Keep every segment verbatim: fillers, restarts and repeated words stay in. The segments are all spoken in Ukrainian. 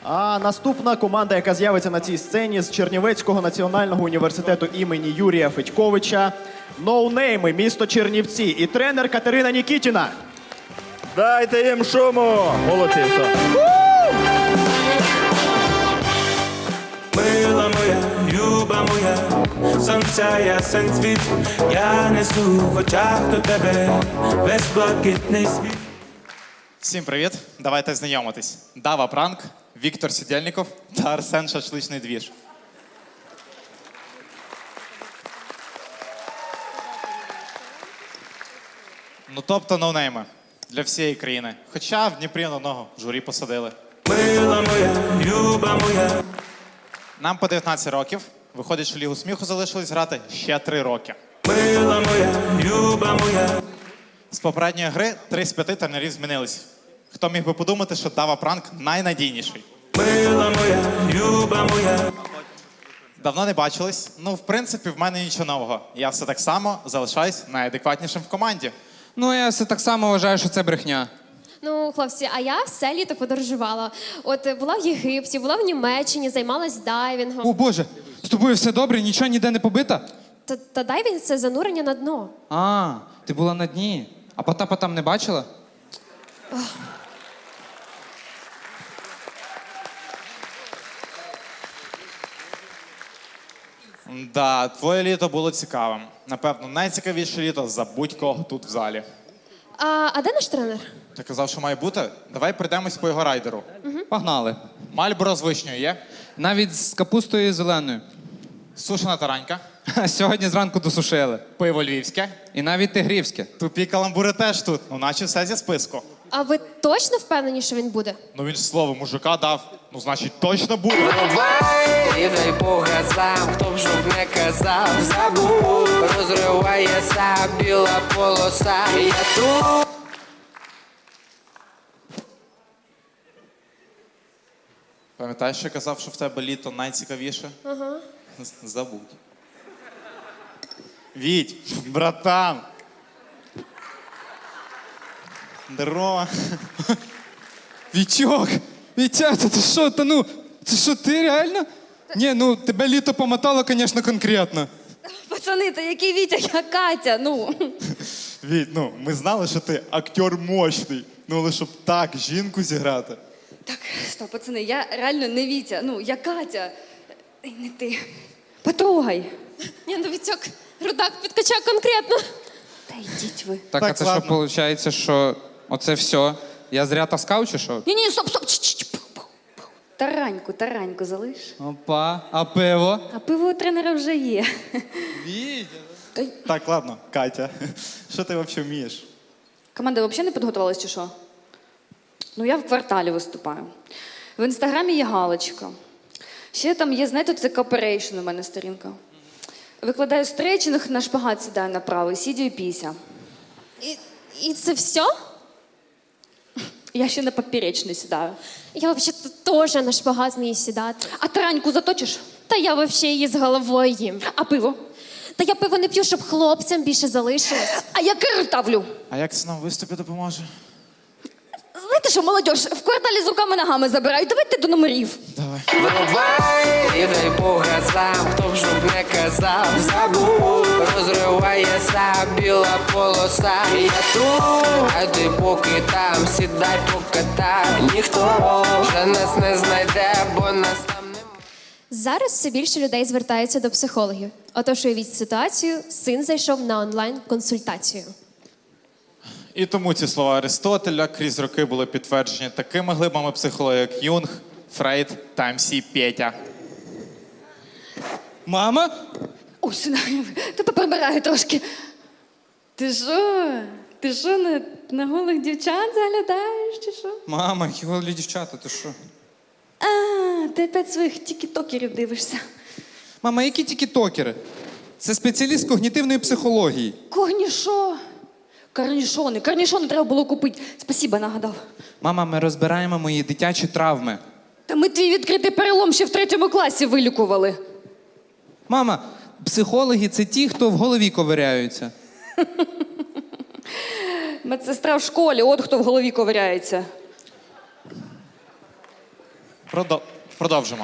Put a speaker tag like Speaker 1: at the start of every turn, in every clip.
Speaker 1: А наступна команда, яка з'явиться на цій сцені з Чернівецького національного університету імені Юрія Федьковича. Ноунейми, місто Чернівці і тренер Катерина Нікітіна.
Speaker 2: Дайте їм шуму! Молодці, все.
Speaker 3: Мила моя, люба моя, сонця ясен світ, я несу в очах до тебе весь блакитний світ.
Speaker 4: Всім привіт! Давайте знайомитись. Дава Пранк, Віктор Сідєльніков та Арсен Шашличний двіж. Ну тобто ноунейми для всієї країни. Хоча в Дніпрі на одного журі посадили.
Speaker 3: Мила моя, люба моя.
Speaker 4: Нам по дев'ятнадцять років. Виходить, що Лігу сміху залишилось грати ще три роки.
Speaker 3: Мила моя, люба моя.
Speaker 4: З попередньої гри три з п'яти тренерів змінились. Хто міг би подумати, що Дава Пранк найнадійніший?
Speaker 3: Мила моя, люба моя.
Speaker 4: Давно не бачились. Ну, в принципі, в мене нічого нового. Я все так само залишаюсь найадекватнішим в команді.
Speaker 5: Ну, я все так само вважаю, що це брехня.
Speaker 6: Ну, хлопці, а я все літо подорожувала. От е, була в Єгипті, була в Німеччині, займалась дайвінгом.
Speaker 5: О, Боже, з тобою все добре, нічого ніде не побита?
Speaker 6: Та, та дайвінг – це занурення на дно.
Speaker 5: А, ти була на дні. А Потапа там не бачила?
Speaker 4: Да, твоє літо було цікавим. Напевно, найцікавіше літо за будь-кого тут в залі.
Speaker 6: А, а де наш тренер?
Speaker 4: Ти казав, що має бути? Давай прийдемось по його райдеру.
Speaker 5: Погнали.
Speaker 4: Мальборо з вишнею є?
Speaker 5: Навіть з капустою зеленою.
Speaker 4: Сушена таранька,
Speaker 5: Ха, сьогодні зранку досушили.
Speaker 4: пиво львівське.
Speaker 5: І навіть тигрівське.
Speaker 4: Тупі каламбури теж тут, ну наче все зі списку.
Speaker 6: А ви точно впевнені, що він буде?
Speaker 4: Ну він ж слово мужика дав, ну значить точно буде.
Speaker 7: І дай Бога сам, хто б щоб не казав, забув, розривається біла полоса, я тут.
Speaker 4: Пам'ятаєш, що я казав, що в тебе літо найцікавіше?
Speaker 6: Ага.
Speaker 4: З- Забудь. Віть, братан. Здорово.
Speaker 5: Вітьок! Вітя, та ти що, та ну, це що, ти реально? Ні, ну, тебе літо помотало, звісно, конкретно.
Speaker 8: Пацани, та який Вітя, я Катя, ну.
Speaker 4: Віть, ну, ми знали, що ти актер мощний. Ну, але щоб так жінку зіграти.
Speaker 8: Так, стоп, пацани, я реально не Вітя, ну, я Катя. Ей, не ти. Потрогай.
Speaker 6: Ні, ну Вітьок, рудак підкачав конкретно.
Speaker 8: Та йдіть ви.
Speaker 5: Так,
Speaker 4: Так,
Speaker 5: а це
Speaker 4: ладно.
Speaker 5: що, виходить, що оце все? Я зря таскав чи що?
Speaker 8: Ні, ні, стоп, стоп. Ч-ч-ч. Тараньку, тараньку залиш.
Speaker 5: Опа, а пиво?
Speaker 8: А пиво у тренера вже є.
Speaker 4: Вітя. Так, ладно, Катя. Що ти взагалі вмієш?
Speaker 8: Команда взагалі не підготувалась чи що? Ну, я в кварталі виступаю. В інстаграмі є галочка. Ще там є, знаєте, це кооперейшн у мене сторінка. Викладаю стрейчинг, на шпагат сідаю направо, сідю і піся.
Speaker 6: І, і це все?
Speaker 8: Я ще на поперечний сідаю.
Speaker 6: Я взагалі теж на шпагат вмію сідати.
Speaker 8: А тараньку заточиш?
Speaker 6: Та я взагалі її з головою їм.
Speaker 8: А пиво?
Speaker 6: Та я пиво не п'ю, щоб хлопцям більше залишилось.
Speaker 8: А я кир тавлю.
Speaker 4: А як це нам в виступі допоможе?
Speaker 8: Знаєте що, молодь, в кварталі з руками-ногами забирають. Давайте до номерів.
Speaker 4: Давай.
Speaker 7: Врубай, і дай Бога сам, хто б щоб не казав, забув, розривається біла полоса, я тут, а ти поки там, сідай покатай, ніхто вже нас не знайде, бо нас там немає.
Speaker 6: Зараз все більше людей звертаються до психологів. Отож, уявіть ситуацію, син зайшов на онлайн-консультацію.
Speaker 4: І тому ці слова Аристотеля крізь роки були підтверджені такими глибами психології, як Юнг, Фрейд та ем сі Петя.
Speaker 5: Мама?
Speaker 8: Ой, сина, ти поприбирай трошки. Ти що? Ти що, на, на голих дівчат заглядаєш, чи що?
Speaker 5: Мама, які голі дівчата, ти що?
Speaker 8: А, ти опять своїх тікітокерів дивишся.
Speaker 5: Мама, які тікітокери? Це спеціаліст когнітивної психології.
Speaker 8: Корнішо. Корнішони. Корнішони треба було купити. Спасибо, нагадав.
Speaker 5: Мама, ми розбираємо мої дитячі травми.
Speaker 8: Та ми твій відкритий перелом ще в третьому класі вилікували.
Speaker 5: Мама, психологи – це ті, хто в голові ковиряються.
Speaker 8: Медсестра в школі, от хто в голові ковиряється.
Speaker 4: Продо- Продовжимо.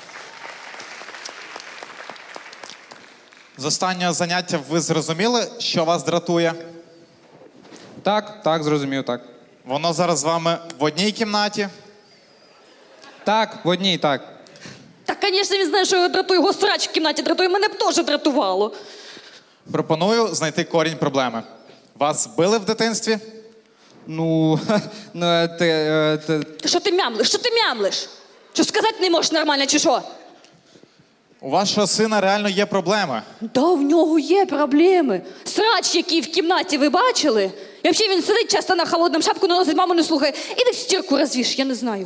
Speaker 4: З останнього заняття ви зрозуміли, що вас дратує?
Speaker 5: Так, так, зрозумів, так.
Speaker 4: Воно зараз з вами в одній кімнаті.
Speaker 5: Так, в одній, так.
Speaker 8: Так, звісно, він знає, що його дратує, його срач в кімнаті дратує, мене б теж дратувало.
Speaker 4: Пропоную знайти корінь проблеми. Вас били в дитинстві?
Speaker 5: Ну, ну, е, ти, е, ти,
Speaker 8: Та що ти мямлиш? Що ти мямлиш? Що сказати не можеш нормально, чи що?
Speaker 4: У вашого сина реально є проблеми.
Speaker 8: Да, в нього є проблеми. Срач, який в кімнаті, ви бачили? І взагалі він сидить часто на холодному шапку, наносить, маму не слухає. Іди стірку розвіш, я не знаю.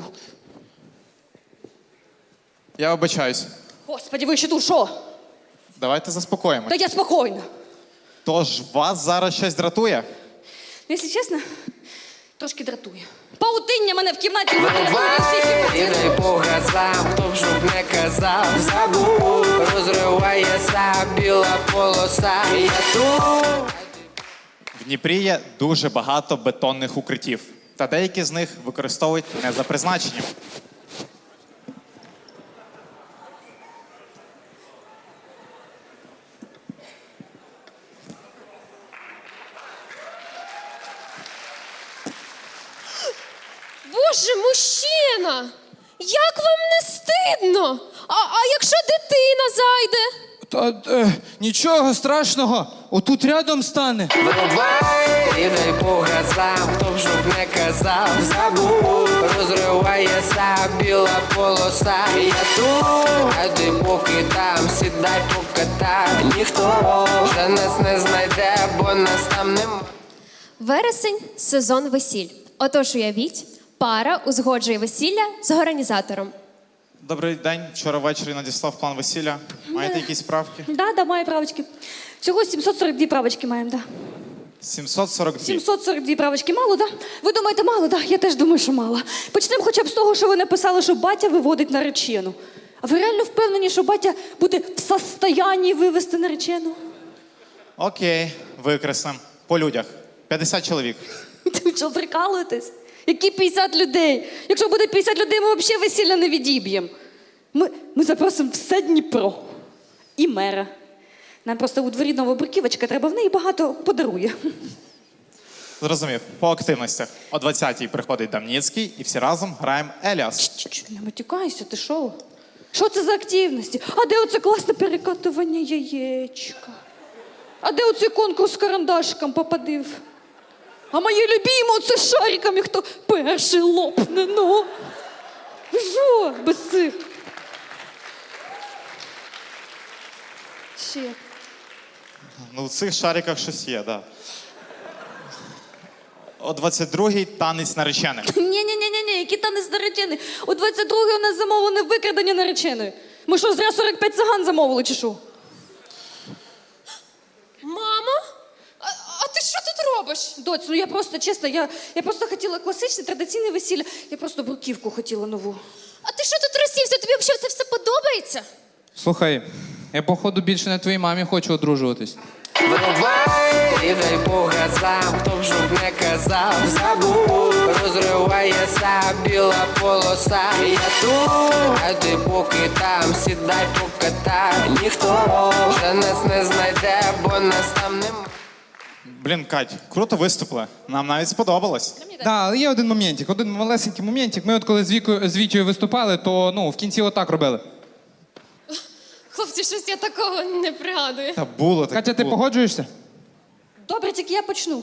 Speaker 4: Я вибачаюсь.
Speaker 8: Господи, ви ще тут що?
Speaker 4: Давайте заспокоїмось.
Speaker 8: Та я спокійна.
Speaker 4: Тож вас зараз щось дратує?
Speaker 8: Ну, якщо чесно, трошки дратує. Паутиння мене в кімнаті не дратує, всі кімнаті.
Speaker 7: І дай по газам, хто б щоб не казав, забув, розривається біла полоса. Я тут.
Speaker 4: В Дніпрі є дуже багато бетонних укриттів. Та деякі з них використовують не за призначенням.
Speaker 6: Боже, мужчина! Як вам не стидно? А, а якщо дитина зайде?
Speaker 5: та, е, нічого страшного, отут рядом стане.
Speaker 7: Врубай, і дай по газам, хто б щоб не казав, забув, розривається біла полоса. Я тут, а ти поки там, сідай покатай. Ніхто вже нас не знайде, бо нас там нема.
Speaker 6: Вересень – сезон весіль. Отож, уявіть, пара узгоджує весілля з організатором.
Speaker 4: Добрий день. Вчора ввечері надіслав план весілля. Маєте якісь правки?
Speaker 8: Да, да, маю правочки. Всього сімсот сорок дві правочки маємо, да.
Speaker 4: сімсот сорок два.
Speaker 8: сімсот сорок дві правочки мало, да? Ви думаєте, мало, да? Я теж думаю, що мало. Почнемо хоча б з того, що ви написали, що батя виводить наречену. А ви реально впевнені, що батя буде в состоянні вивести наречену?
Speaker 4: Окей, викреслим. По людях. п'ятдесят чоловік.
Speaker 8: Ви що, прикалуєтесь? Які п'ятдесят людей? Якщо буде п'ятдесят людей, ми взагалі весілля не відіб'ємо. Ми, ми запросимо все Дніпро. І мера. Нам просто у дворі нова бруківочка, треба в неї багато подарує.
Speaker 4: Зрозумів. По активностях. О двадцятій приходить Дамніцький і всі разом граємо Еліас.
Speaker 8: Чу-чу, не матюкайся, ти що? Що це за активності? А де оце класне перекатування яєчка? А де оцей конкурс з карандашиком попадив? А мої любімі оце з шариками, хто перший лопне, ну? Ви що, без цих? Ще.
Speaker 4: Ну, в цих шариках щось є, так. Да. О двадцять другій танець наречених.
Speaker 8: Ні-ні-ні, які танець наречений. У двадцять другій у нас замовлене викрадення нареченої. Ми що, зря сорок п'ять циган замовили, чи що?
Speaker 6: Мамо? А, а ти що тут робиш?
Speaker 8: Доць, ну я просто, чесно, я, я просто хотіла класичне, традиційне весілля. Я просто бруківку хотіла нову.
Speaker 6: А ти що тут розсівся? Тобі взагалі це все подобається?
Speaker 5: Слухай, я походу більше на твоїй мамі хочу одружуватись.
Speaker 7: Врубай, і дай по газам, хто б щоб не казав, забув, розривається біла полоса. Я тут, а ти поки там, сідай покатай. Ніхто вже нас не знайде, бо нас там нема.
Speaker 4: Блін, Кать, круто виступили. Нам навіть сподобалось.
Speaker 5: Да, але є один моментик, один малесенький моментик. Ми от коли з Вікою, з Вітєю виступали, то ну, в кінці отак робили.
Speaker 6: Хлопці, щось я такого не пригадую.
Speaker 4: Та було таке.
Speaker 5: Катя, ти
Speaker 4: було.
Speaker 5: погоджуєшся?
Speaker 8: Добре, тільки я почну.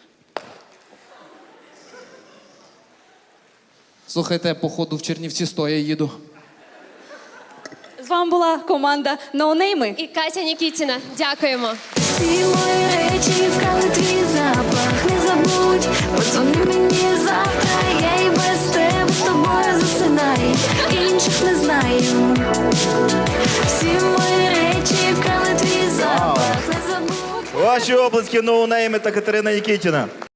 Speaker 5: Слухайте, походу в Чернівці стоя їду.
Speaker 8: З вами була команда «Ноунейми».
Speaker 6: І Катя Нікітіна. Дякуємо.
Speaker 9: Всі мої речі вкрали твій запах, не забудь, подзвони мені завтра, я і без тебе з тобою засинаю, інших не знаю. Всі мої речі вкрали твій запах, не забудь.
Speaker 2: Ваші обласки ноунейми та Катерина Нікітіна.